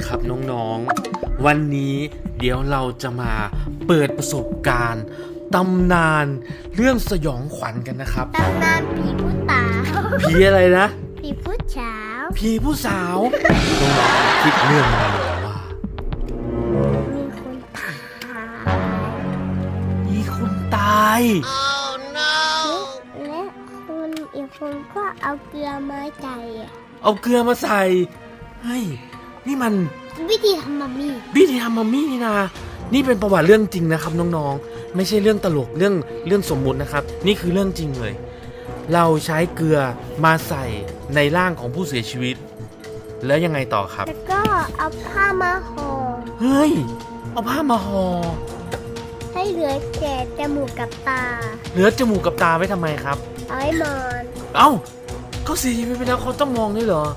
ครับน้องๆวันนี้เดี๋ยวเราจะมาเปิดประสบการณ์ตำนานเรื่องสยองขวัญกันนะครับตำนานผีผู้ตาผีอะไรนะผีผู้เช้าผีผู้สาวน้องๆคิดเรื่องมาเลยว่ามีคนตายมีคนตายและคนอีกคนก็เอาเกลือมาใส่เอาเกลือมาใส่เฮ้ยนี่มันวิธีทำมัมมี่วิธีทำมัมมี่นี่นะนี่เป็นประวัติเรื่องจริงนะครับน้องๆไม่ใช่เรื่องตลกเรื่องสมมุตินะครับนี่คือเรื่องจริงเลยเราใช้เกลือมาใส่ในร่างของผู้เสียชีวิตแล้วยังไงต่อครับแล้วก็เอาผ้ามาห่อเฮ้ยเอาผ้ามาห่อให้เหลือแค่จมูกกับตาเหลือจมูกกับตาไว้ทำไมครับเอาไว้มอนเอ้าเขาเสียชีวิตไปแล้วเขาต้องมองด้วยเหรอ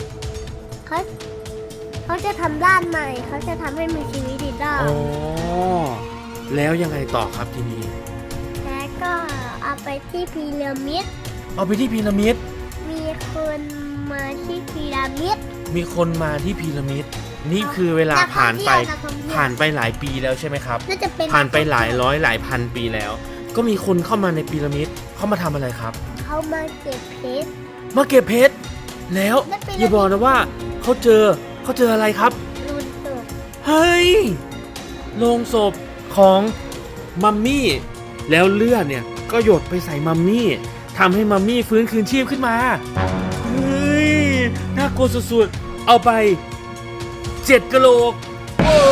เขาจะทำด้านใหม่เขาจะทำให้มีชีวิตอีกรอบอ๋อแล้วยังไงต่อครับทีนี้แล้วก็เอาไปที่พีระมิดเอาไปที่พีระมิดมีคนมาที่พีระมิดมีคนมาที่พีระมิดนี่คือเวลาผ่านไปหลายปีแล้วใช่ไหมครับน่าจะเป็นผ่านไปหลายร้อยหลายพันปีแล้ว ก็มีคนเข้ามาในพีระมิดเขามาทำอะไรครับเขามาเก็บเพชรมาเก็บเพชรแล้วแล้วเป็นอย่าบอกนะว่าเขาเจออะไรครับรุนตกเฮ้ยโลงศพของมัมมี่แล้วเลือดเนี่ยก็หยดไปใส่มัมมี่ทำให้มัมมี่ฟื้นคืนชีพขึ้นมาเฮ้ยน่ากลัวสุดๆเอาไป7กะโหลกโอ้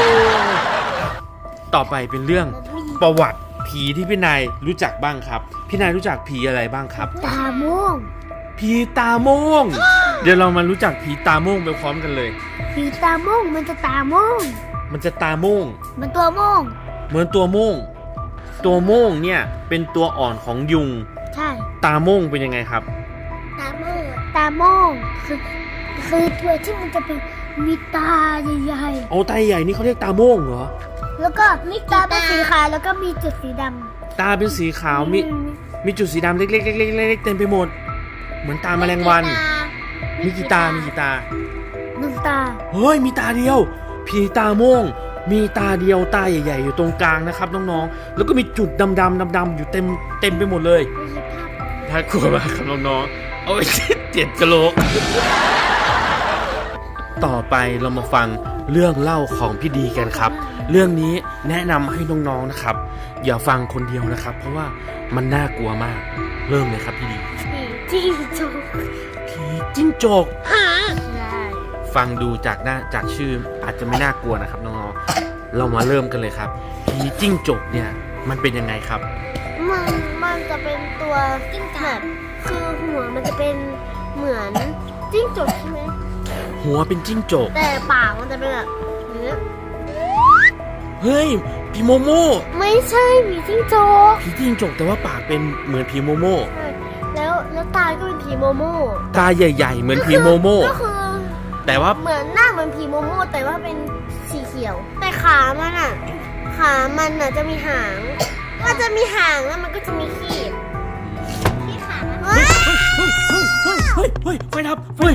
ต่อไปเป็นเรื่องประวัติผีที่พี่นายรู้จักบ้างครับพี่นายรู้จักผีอะไรบ้างครับตาม่วงผีตาโม่งเดี๋ยวเรามารู้จักผีตาโม่งไปพร้อมกันเลยผีตาม่วงมันจะตาม่วงมันจะตาโม่งมันตัวม่วงเหมือนตัวโม่งตัวโม่งเนี่ยเป็นตัวอ่อนของยุงใช่ตาโม่งเป็นยังไงครับตาม่วงคือตัวที่มันจะเป็นมีตาใหญ่เอาตาใหญ่นี่เขาเรียกตาโม่งเหรอๆแล้วก็มีตาเป็นสีขาวแล้วก็มีจุดสีดำตาเป็นสีขาวมีจุดสีดำเล็กๆๆๆๆเต็มไปหมดเหมือนตาแมลงวันมีกี่ตาหนึ่งตาเฮ้ยมีตาเดียวผีตาโม่งมีตาเดียวตาใหญ่ๆอยู่ตรงกลางนะครับน้องๆแล้วก็มีจุดดำๆอยู่เต็มไปหมดเลยน่ากลัวมากครับน้องๆเอาไป7กะโหลกต่อไปเรามาฟังเรื่องเล่าของพี่ดีกันครับเรื่องนี้แนะนำให้น้องๆนะครับอย่าฟังคนเดียวนะครับเพราะว่ามันน่ากลัวมากเริ่มเลยครับพี่ดีจิ้งจกผีจิ้งจกใช่ฟังดูจากชื่ออาจจะไม่น่ากลัวนะครับน้องๆเรามาเริ่มกันเลยครับผีจิ้งจกเนี่ยมันเป็นยังไงครับมันจะเป็นตัวจิ้งจกคือหัวมันจะเป็นเหมือนจิ้งจกใช่ไหมหัวเป็นจิ้งจกแต่ปากมันจะเป็นแบบนี้เฮ้ยผีโมโม่ไม่ใช่ผีจิ้งจกผีจิ้งจกแต่ว่าปากเป็นเหมือนผีโมโม่แล้วตาก็เป็นผีโมโม่ตาใหญ่ๆเหมือนผีโมโม่ก็คือแต่ว่าเหมือนหน้าเหมือนผีโมโม่แต่ว่าเป็นสีเขียว แต่ขามันจะมีหางมันจะมีหางแล้วมันก็จะมีขีดที่ขามันเฮ้ยไฟดับเฮ้ย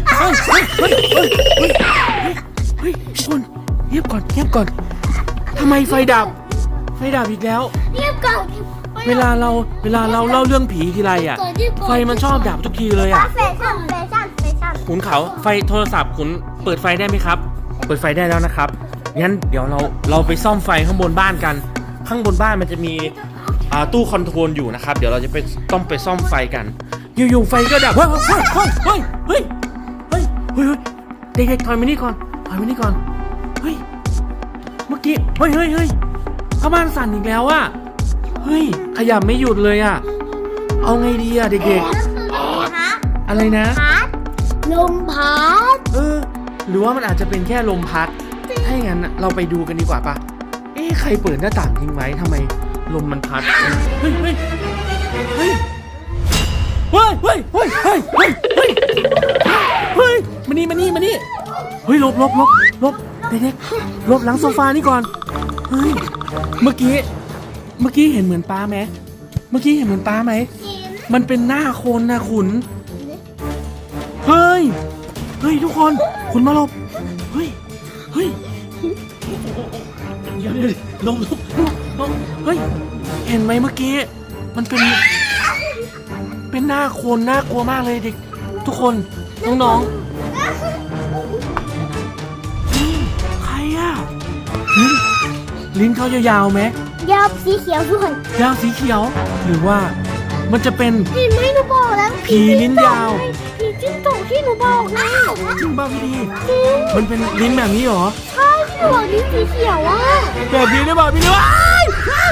คุณเงียบก่อนทำไมไฟดับอีกแล้วเรียบก่อนเวลาเราเล่าเรื่องผีทีไรอ่ะไฟมันชอบดับทุกทีเลยอ่ะแฟชั่นขุนเขาไฟโทรศัพท์ขุนเปิดไฟได้ไหมครับเปิดไฟได้แล้วนะครับงั้นเดี๋ยวเราไปซ่อมไฟข้างบนบ้านกันข้างบนบ้านมันจะมีตู้คอนโทรลอยู่นะครับเดี๋ยวเราจะต้องไปซ่อมไฟกันอยู่ๆไฟก็ดับเฮ้ยเด็กๆถอยมานี่ก่อนเฮ้ยเมื่อกี้เฮ้ยเข้าบ้านสั่นอีกแล้วอะเฮ้ยขยับไม่หยุดเลยอะเอาไงดีอะเด็กๆอะไรนะลมพัดหรือว่ามันอาจจะเป็นแค่ลมพัดถ้าอย่างนั้นเราไปดูกันดีกว่าปะใครเปิดหน้าต่างทิ้งไว้ทำไมลมมันพัดเฮ้ยมานี่เฮ้ยหลบเด็กๆหลบหลังโซฟานี่ก่อนเฮ้ยเมื่อกี้เห็นเหมือนป้าไหมมันเป็นหน้าคนนะขุนเฮ้ยทุกคนขุนมาหลบเฮ้ยเดี๋ยวลงเฮ้ยเห็นไหมเมื่อกี้มันเป็นหน้าคนน่ากลัวมากเลยเด็กทุกคนน้องๆใครอะลิ้นเขายาวๆไหมยาวสีเขียวด้วยยาวสีเขียว หรือว่ามันจะเป็นเห็นไหมหนูบอกแล้วผีลิ้นยาวผีจิ้งจกที่หนูบอกไงจริงป่ะพี่ดีจริงมันเป็นลิ้นแบบนี้เหรอใช่ที่หนูบอกลิ้นสีเขียวอ่ะแบบนี้ได้ป่ะพี่ดีว้าย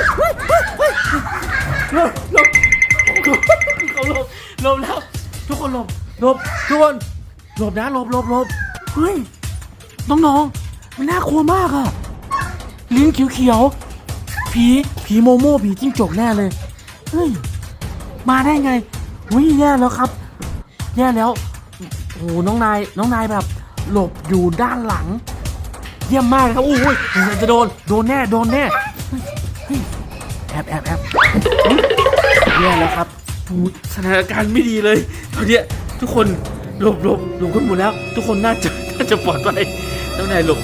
หลบเขาหลบแล้วทุกคนหลบทุกคนหลบนะหลบเฮ้ยน้องๆมันน่ากลัวมากอะลิ้นเขียวผีโมโม่ผีจิ้งจกแน่เลยเฮ้ยมาได้ไงวิ่งแย่แล้วครับแย่แล้วโอ้น้องนายแบบหลบอยู่ด้านหลังเยี่ยมมากเลยครับโอ้ยจะโดนแน่เฮ้ยแอบแย่แล้วครับสถานการณ์ไม่ดีเลยตอนนี้ทุกคนหลบกันหมดแล้ว ทุกคนน่าจะปลอดภัยน้องนายหลบ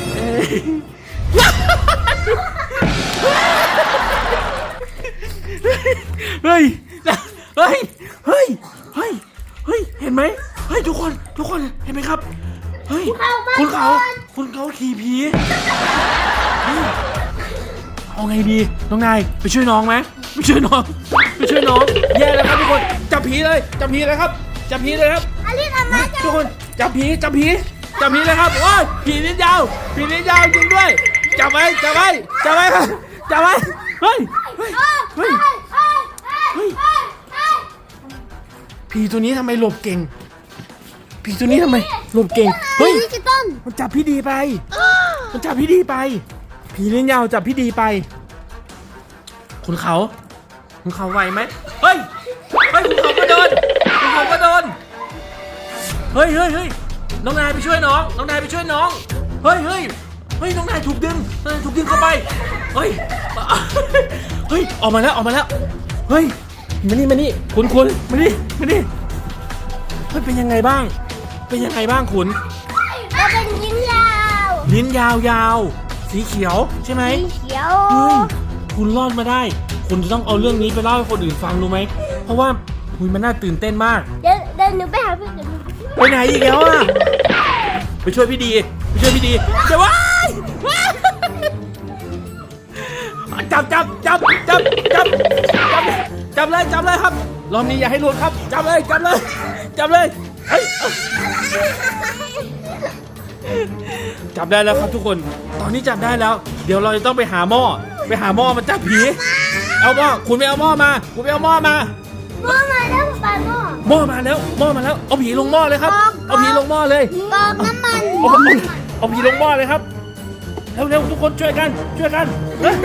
เฮ้ยเห็นไหมเฮ้ยทุกคนเห็นไหมครับเฮ้ยคุณเขาขี่ผีเอาไงดีน้องนายไปช่วยน้องไหมไปช่วยน้องแย่แล้วครับทุกคนจับผีเลยครับอลิซเอามาจ้ะทุกคนจับผีเลยครับโอ้ยผีลิ้นยาวจริงด้วยจับไว้เฮ้ยผีตัวนี้ทำไมหลบเก่งเฮ้ยดิจิตอลมันจับพี่ดีไปผีลิ้นยาวจับพี่ดีไปคุณเขาไหวไหมเฮ้ยคุณเขาก็โดนเฮ้ยน้องนายไปช่วยน้องเฮ้ยน้องนายถูกดึงเข้าไปเฮ้ยออกมาแล้วเฮ้ยมานี่คุณมานี่เฮ้ยเป็นยังไงบ้างคุณเราเป็นลิ้นยาวสีเขียวใช่ไหมสีเขียวเฮ้ยคุณรอดมาได้คุณจะต้องเอาเรื่องนี้ไปเล่าให้คนอื่นฟังรู้ไหมเพราะว่ามันน่าตื่นเต้นมากเดินหนูไปหาเพื่อนไปไหนอีกแล้วอ่ะไปช่วยพี่ดีเดี๋ยวว้ายจับเลยครับรอบนี้อย่าให้หลุดครับจับเลยเฮ้ยจับได้แล้วครับทุกคนตอนนี้จับได้แล้วเดี๋ยวเราจะต้องไปหาหม้อมาจับผีเอาหม้อคุณไปเอาหม้อมาหม้อมาแล้วป้าหม้อมาแล้วเอาผีลงหม้อเลยครับเอาผีลงหม้อเลยกรอกน้ำมันเอาผีลงหม้อเลยครับเร็วทุกคนช่วยกันเฮ้ย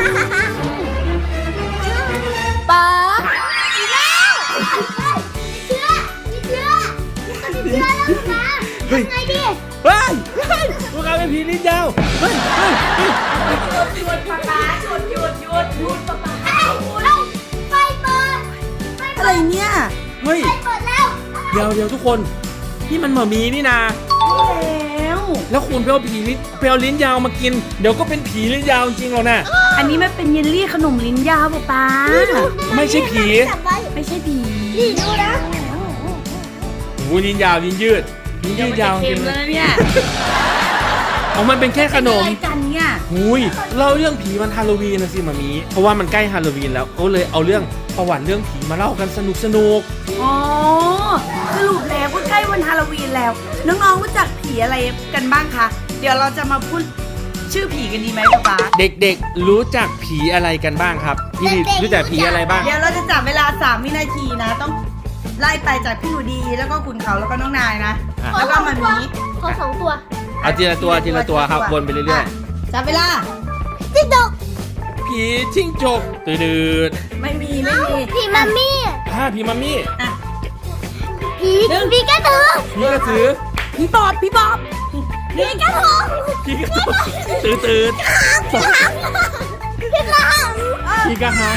ป้าอีกแล้วมีเชื้อแล้วนะไงดีเฮ้ยพวกเราเป็นผีลิ้นยาวเฮ้ยหยุดป๊าป๊าหยุดป๊าป๊าไฟเปิดอะไรเนี่ยเฮ้ยไฟเปิดแล้วเดี๋ยวทุกคนนี่มันหมามีนี่นา แล้วคุณไปเอาลิ้นยาวมากินเดี๋ยวก็เป็นผีลิ้นยาวจริงๆหรอกนะอันนี้มันเป็นเยลลี่ขนมลิ้นยาวป๊าไม่ใช่ผีไม่ใช่ผีนี่ดูนะโอ้ลิ้นยาวลิ้นยืดยาวเค็กิมนแล้วเนี่ยมันเป็นแค่ขนมอะไรกันเนี่ยหุยเล่าเรื่องผีวันฮาโลวีนนะสิมามีเพราะว่ามันใกล้ฮาโลวีนแล้วก็เลยเอาเรื่องประวัติเรื่องผีมาเล่ากันสนุกอ๋อสรุปแล้วก็ใกล้วันฮาโลวีนแล้ว น้องๆรู้จักผีอะไรกันบ้างคะเดี๋ยวเราจะมาพูดชื่อผีกันดีไหมป๊าเด็กๆรู้จักผีอะไรกันบ้างครับพี่รู้จักผีอะไรบ้างเดี๋ยวเราจะจับเวลา3 วินาทีนะ ต้องไล่ไปจากพี่หนูดีแล้วก็ขุนเขาแล้วก็น้องนายนะ แล้วก็มามีขอ2 ตัวเอาทีละตัวครับวนไปเรื่อยจับเวลาจิ๊กจกๆผีจิ้งจกตืดไม่มีผีมัมมี่ผีมัมมี่อ่ะผีกระตือผีกระสือพี่บอบผีกระทงผีกระตุกตืดผีกระหังผีกระหัง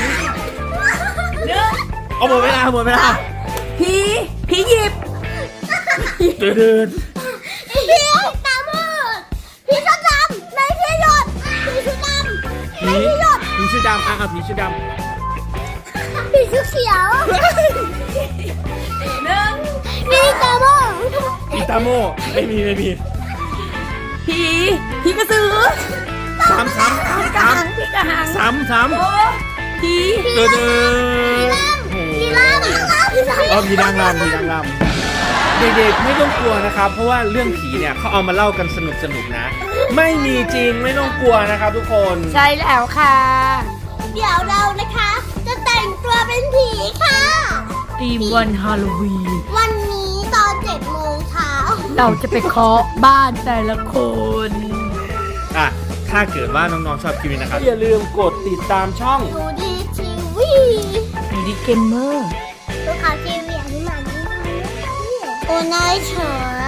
เอาหมดเวลาผีหยิบตืดผีตามืดผีชุดดำในผีหยดผีชุดดำผีเสื้อดำผีเสื้อดำผีเขียวหนึ่งมีตาโมอีตาโมไม่มีผีกระสือสามผีกระหัง 3 โอ้ผีเดินผีล่างผีนางรำเด็กๆไม่ต้องกลัวนะครับ เพราะว่าเรื่องผีเนี่ยเขาเอามาเล่ากันสนุกนะ ไม่มีจริงไม่ต้องกลัวนะครับทุกคนใช่แล้วค่ะเดี๋ยวเรานะคะ จะแต่งตัวเป็นผีค่ะทีมวันฮาโลวีนวันนี้ตอน7 โมงเช้าเราจะไปเคาะบ้านแต่ละคนถ้าเกิดว่าน้องๆชอบคลิปนี้นะครับอย่าลืมกดติดตามช่องดูดีทีวีไอดีเกมเมอร์ดูข่าวทีวีอย่างนี้มาโอ้นายเฉย